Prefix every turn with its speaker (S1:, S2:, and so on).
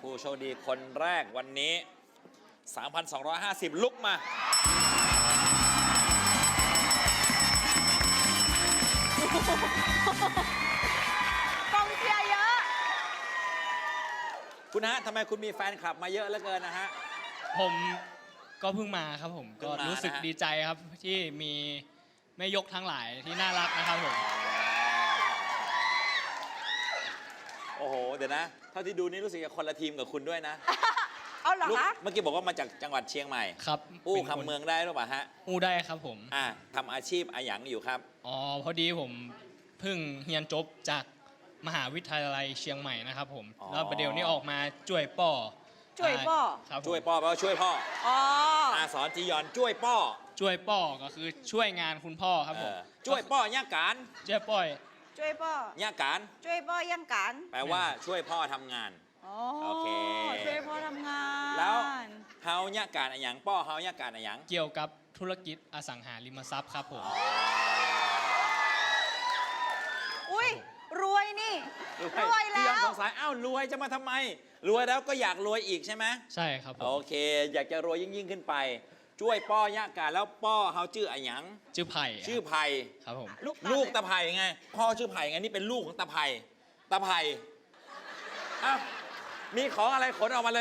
S1: ผู้โชคดีคนแรกวันนี้ 3,250 ลุกมาก
S2: องเชียร์เยอะ
S1: คุณฮะทำไมคุณมีแฟนคลับมาเยอะเหลือเกินนะฮะ
S3: ผมก็เพิ่งมาครับผม
S1: เพิ่
S3: ก็
S1: งมา
S3: รู้สึก
S1: นะฮะ
S3: ดีใจครับที่มีแม่ยกทั้งหลายที่น่ารักนะครับผม
S1: โอ้โห เดี๋ยวนะ เท่าที่ดูนี่รู้สึกจะคนละทีมกับคุณด้วยนะ
S2: เอาเหรอ
S1: ลูก
S2: คะ
S1: เมื่อกี้บอกว่ามาจากจังหวัดเชียงใหม่
S3: ครับ
S1: อู้
S3: ป็นน
S1: คำเมืองได้หรือเปล่าฮะ
S3: อู้ได้ครับผม
S1: ทำอาชีพอะไรอย่างอยู่ครับ
S3: อ๋อพอดีผมเพิ่งเรียนจบจากมหาวิทยาลัยเชียงใหม่นะครับผม
S1: อ๋อ
S3: แล้วประเดี๋ยวนี้ออกมาช่วยป่อ
S2: ช่วยป่อ
S3: ครับผม
S1: ช่วยพ่อแปลว่าช่วยพ่อ
S2: อ๋อ
S1: สอนจียอนช่วยพ่อ
S3: ช่วยป่อก็คือช่วยงานคุณพ่อครับผม
S1: ช่วยพ่อย่าการ
S3: ช่วยป่อย
S2: ช่วยป่อย่
S1: าการ
S2: ช่วยป่อยังกัน
S1: แปลว่าช่วยพ่อทำงาน
S2: อ๋อ
S1: โอเค
S2: ช่วยพ่อทำงาน
S1: แล้วเฮาย่าการอะไรอย่างพ่อเฮาย่าการอะไรอย่าง
S3: เกี่ยวกับธุรกิจอสังหาริมทรัพย์ครับผม
S2: อุ้ยรวยนี่รวย
S1: พี่
S2: แล้
S1: ยอน
S2: ว
S1: สงสัยอ้าวรวยจะมาทำไม รวยแล้วก็อยากรวยอีกใช่ไหม
S3: ใช่ครับผ
S1: โอ
S3: ม
S1: เค อยากจะรวยยิ่งขึ้นไป ช่วยป้อย่าการแล้วป้อเฮาชื่ออะไรหยัง
S3: ชื่อไผ่
S1: ชื่อไผ่
S3: ครับผม
S1: ลูกตาไผ่ไง พ่อชื่อไผ่ไงนี่เป็นลูกของตาไผ่ตาไผ่อ้าวมีของอะไรขนออกมาเลย